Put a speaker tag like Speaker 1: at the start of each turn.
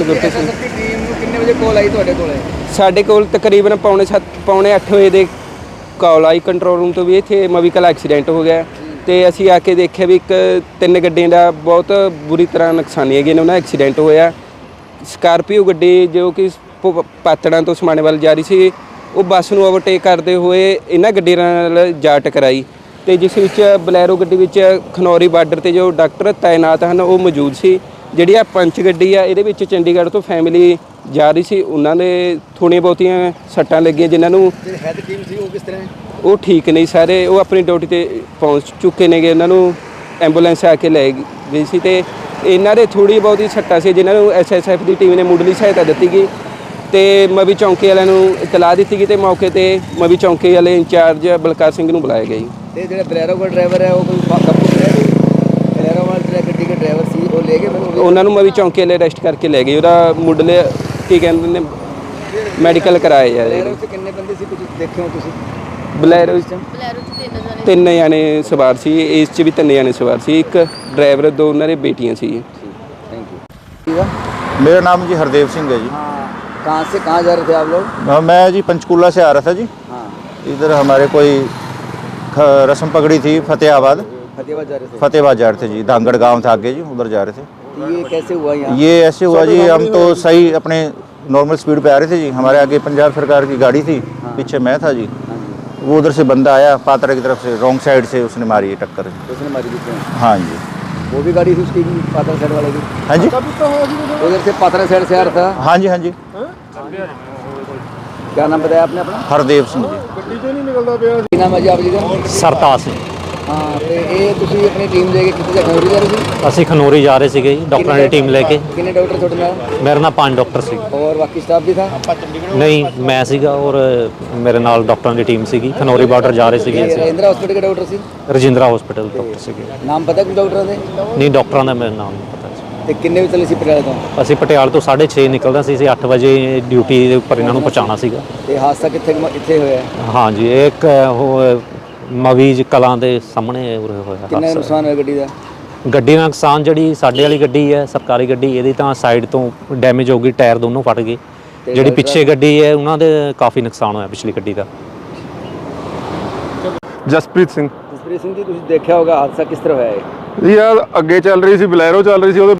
Speaker 1: Gurpreet Singh.
Speaker 2: Team ਨੂੰ ਕਿੰਨੇ ਵਜੇ ਕਾਲ ਆਈ ਤੁਹਾਡੇ ਕੋਲੇ?
Speaker 1: ਸਾਡੇ ਕੋਲ ਤਕਰੀਬਨ ਪੌਣੇ 8 ਵਜੇ ਦੇ ਕਾਲ ਆਈ ਕੰਟਰੋਲ ਰੂਮ ਤੋਂ ਵੀ ਇੱਥੇ ਮਵੀਕਲ ਐਕਸੀਡੈਂਟ ਹੋ ਗਿਆ ਤੇ ਅਸੀਂ ਆ ਕੇ ਦੇਖਿਆ ਵੀ ਤਿੰਨ ਗੱਡੀਆਂ ਦਾ ਬਹੁਤ ਬੁਰੀ ਤਰ੍ਹਾਂ ਨੁਕਸਾਨੀ ਹੈਗੀ, ਉਹਨਾਂ ਐਕਸੀਡੈਂਟ ਹੋਇਆ। ਸਕਾਰਪੀਓ ਗੱਡੀ ਜੋ ਕਿ ਪਾਤੜਾਂ ਤੋਂ ਸਮਾਣੇ ਵੱਲ ਜਾ ਰਹੀ ਸੀ, ਉਹ ਬੱਸ ਨੂੰ ਓਵਰਟੇਕ ਕਰਦੇ ਹੋਏ ਇਹਨਾਂ ਗੱਡੀਆਂ ਨਾਲ ਜਾ ਟਕਰਾਈ ਤੇ ਜਿਸ ਵਿੱਚ ਬਲੈਰੋ ਗੱਡੀ ਵਿੱਚ ਖਨੌਰੀ ਬਾਰਡਰ ਤੇ ਜੋ ਡਾਕਟਰ ਤਾਇਨਾਤ ਹਨ ਉਹ ਮੌਜੂਦ ਸੀ। ਜਿਹੜੀ ਆ ਪੰਚ ਗੱਡੀ ਆ ਇਹਦੇ ਵਿੱਚ ਚੰਡੀਗੜ੍ਹ ਤੋਂ ਫੈਮਿਲੀ ਜਾ ਰਹੀ ਸੀ, ਉਹਨਾਂ ਦੇ ਥੋੜ੍ਹੀਆਂ ਬਹੁਤੀਆਂ ਸੱਟਾਂ ਲੱਗੀਆਂ ਜਿਨ੍ਹਾਂ ਨੂੰ
Speaker 2: ਹੈਡ ਟੀਮ ਸੀ ਉਹ ਕਿਸ ਤਰ੍ਹਾਂ?
Speaker 1: ਉਹ ਠੀਕ ਨਹੀਂ ਸਾਰੇ, ਉਹ ਆਪਣੀ ਡਿਊਟੀ ਤੇ ਪਹੁੰਚ ਚੁੱਕੇ ਨੇਗੇ। ਉਹਨਾਂ ਨੂੰ ਐਂਬੂਲੈਂਸ ਆ ਕੇ ਲੈ ਗਈ ਸੀ ਤੇ ਇਹਨਾਂ ਦੇ ਥੋੜ੍ਹੀ ਬਹੁਤੀ ਸੱਟਾਂ ਸੀ ਜਿਨ੍ਹਾਂ ਨੂੰ SSF ਦੀ ਟੀਮ ਨੇ ਮੁੱਢਲੀ ਸਹਾਇਤਾ ਦਿੱਤੀ ਗਈ ਤੇ ਮਵੀ ਚੌਂਕੀ ਵਾਲਿਆਂ ਨੂੰ ਇਤਲਾਹ ਦਿੱਤੀ ਗਈ ਤੇ ਮੌਕੇ ਤੇ ਮਵੀ ਚੌਂਕੀ ਵਾਲੇ ਇੰਚਾਰਜ ਬਲਕਾਰ ਸਿੰਘ ਨੂੰ ਬੁਲਾਇਆ ਗਿਆ ਜੀ।
Speaker 2: ਤੇ ਜਿਹੜਾ ਬਲੈਰੋ ਦਾ ਡਰਾਈਵਰ ਹੈ ਉਹ ਕੋਈ ਕਾਬੂ ਕਰਿਆ? ਬਲੈਰੋ ਵਾਲਾ ਗੱਡੀ ਦਾ ਡਰਾਈਵਰ ਸੀ ਉਹ ਲੈ ਕੇ ਮੈਨੂੰ
Speaker 1: ਉਹਨਾਂ ਨੂੰ ਮਵੀ ਚੌਂਕੀ ਵਾਲੇ ਅਰੈਸਟ ਕਰਕੇ ਲੈ ਗਏ। ਉਹਦਾ ਮੁੱਢਲੇ ਕੀ ਕਹਿੰਦੇ ਨੇ ਮੈਡੀਕਲ ਕਰਾਇਆ ਜਾ ਰਿਹਾ।
Speaker 2: ਬਲੈਰੋ 'ਚ ਕਿੰਨੇ ਬੰਦੇ ਸੀ ਕੁਝ ਦੇਖਿਓ ਤੁਸੀਂ?
Speaker 1: ਬਲੈਰੋ 'ਚ ਤਿੰਨ ਜਾਣੇ ਸਵਾਰ ਸੀ, ਇਸ 'ਚ ਵੀ ਤਿੰਨ ਜਾਣੇ ਸਵਾਰ ਸੀ, ਇੱਕ ਡਰਾਈਵਰ ਦੋ ਉਹਨਾਂ ਦੇ ਬੇਟੀਆਂ ਸੀ।
Speaker 2: Thank you.
Speaker 3: मेरा नाम जी हरदेव सिंह है जी।
Speaker 2: हाँ, कहाँ से कहाँ जा रहे थे आप लोग?
Speaker 3: मैं जी पंचकूला से आ रहा था जी।
Speaker 2: हाँ,
Speaker 3: इधर हमारे कोई रस्म पकड़ी थी फतेहाबाद
Speaker 2: फतेहाबाद जा रहे थे।
Speaker 3: फतेहाबाद जा रहे थे जी, धांगड़ गांव था आगे जी, उधर जा रहे थे।
Speaker 2: तो ये कैसे हुआ यहाँ?
Speaker 3: ये ऐसे हुआ जी, हम तो सही अपने नॉर्मल स्पीड पे आ रहे थे जी, हमारे आगे पंजाब सरकार की गाड़ी थी, पीछे मैं था जी।
Speaker 2: हाँ जी।
Speaker 3: वो उधर से बंदा आया पात्रा की तरफ से, रॉन्ग साइड से उसने मारी है टक्कर।
Speaker 2: उसने मारी थी?
Speaker 3: हाँ जी।
Speaker 2: वो भी गाड़ी थी उसकी पात्रा साइड वाले की?
Speaker 3: हाँ जी,
Speaker 2: उधर से पात्रा साइड से आ रहा था?
Speaker 3: हाँ जी, हाँ जी।
Speaker 2: क्या नाम बताया आपने अपना?
Speaker 3: हरदेव सिंह जी।
Speaker 2: ਕੀ ਨਾਮ ਹੈ ਜੀ ਆਪ ਜੀ ਦਾ?
Speaker 4: ਸਰਤਾਜ ਸਿੰਘ।
Speaker 2: ਹਾਂ, ਤੇ ਇਹ ਤੁਸੀਂ ਆਪਣੀ ਟੀਮ ਲੈ ਕੇ ਕਿੱਥੇ ਖਨੌਰੀ ਜਾ ਰਹੇ ਸੀ?
Speaker 4: ਅਸੀਂ ਖਨੌਰੀ ਜਾ ਰਹੇ ਸੀਗੇ ਜੀ, ਡਾਕਟਰਾਂ ਦੀ ਟੀਮ ਲੈ ਕੇ।
Speaker 2: ਕਿੰਨੇ ਡਾਕਟਰ ਤੁਹਾਡੇ ਨਾਲ?
Speaker 4: ਮੇਰੇ ਨਾਲ 5 ਡਾਕਟਰ ਸੀ।
Speaker 2: ਔਰ ਬਾਕੀ ਸਟਾਫ ਵੀ ਥਾ?
Speaker 4: ਨਹੀਂ, ਮੈਂ ਸੀਗਾ ਔਰ ਮੇਰੇ ਨਾਲ ਡਾਕਟਰਾਂ ਦੀ ਟੀਮ ਸੀਗੀ। ਖਨੌਰੀ ਬਾਰਡਰ ਜਾ ਰਹੇ ਸੀਗੇ ਅਸੀਂ।
Speaker 2: ਰਜਿੰਦਰਾ ਹਸਪੀਟਲ ਦੇ ਡਾਕਟਰ ਸੀ?
Speaker 4: ਰਜਿੰਦਰਾ ਹਸਪੀਟਲ ਡਾਕਟਰ ਸੀਗੇ।
Speaker 2: ਨਾਮ ਪਤਾ ਕੁਝ ਡਾਕਟਰਾਂ ਦੇ?
Speaker 4: ਨਹੀਂ, ਡਾਕਟਰਾਂ ਦਾ ਮੇਰੇ ਨਾਮ ਨਹੀਂ ਪਤਾ ਸੀ।
Speaker 2: ਤੇ ਕਿੰਨੇ ਵਜੇ ਚੱਲੇ ਸੀ ਪਟਿਆਲੇ ਤੋਂ?
Speaker 4: ਅਸੀਂ ਪਟਿਆਲੇ ਤੋਂ 6:30 ਨਿਕਲਦਾ ਸੀ, ਅਸੀਂ 8 ਵਜੇ ਡਿਊਟੀ ਦੇ ਉੱਪਰ ਇਹਨਾਂ ਨੂੰ ਪਹੁੰਚਾਉਣਾ ਸੀਗਾ।
Speaker 2: ਤੇ ਹਾਦਸਾ ਇੱਥੇ ਹੋਇਆ?
Speaker 4: ਹਾਂਜੀ, ਇੱਕ ਉਹ ਮਵੀਜ ਕਲਾਂ ਦੇ ਸਾਹਮਣੇ ਉਰੇ ਹੋਇਆ
Speaker 2: ਕਿੰਨਾ
Speaker 4: ਹਾਦਸਾ।
Speaker 2: ਨੁਕਸਾਨ ਹੋਇਆ ਗੱਡੀ ਦਾ?
Speaker 4: ਗੱਡੀ ਦਾ ਨੁਕਸਾਨ ਜਿਹੜੀ ਸਾਡੇ ਵਾਲੀ ਗੱਡੀ ਹੈ ਸਰਕਾਰੀ ਗੱਡੀ, ਇਹਦੀ ਤਾਂ ਸਾਈਡ ਤੋਂ ਡੈਮੇਜ ਹੋ ਗਈ, ਟਾਇਰ ਦੋਨੋਂ ਫਟ ਗਏ। ਜਿਹੜੀ ਪਿੱਛੇ ਗੱਡੀ ਹੈ ਉਹਨਾਂ ਦੇ ਕਾਫੀ ਨੁਕਸਾਨ ਹੋਇਆ ਪਿਛਲੀ ਗੱਡੀ ਦਾ।
Speaker 5: ਜਸਪ੍ਰੀਤ ਸਿੰਘ
Speaker 2: ਜਸਪ੍ਰੀਤ ਸਿੰਘ ਜੀ, ਤੁਸੀਂ ਦੇਖਿਆ ਹੋਗਾ ਹਾਦਸਾ ਕਿਸ ਤਰ੍ਹਾਂ ਹੋਇਆ ਹੈ?
Speaker 5: ਯਾਰ ਅੱਗੇ ਚੱਲ ਰਹੀ ਸੀ ਬਲੈਰੋ ਚੱਲ ਰਹੀ ਸੀ, ਉਹਦੇ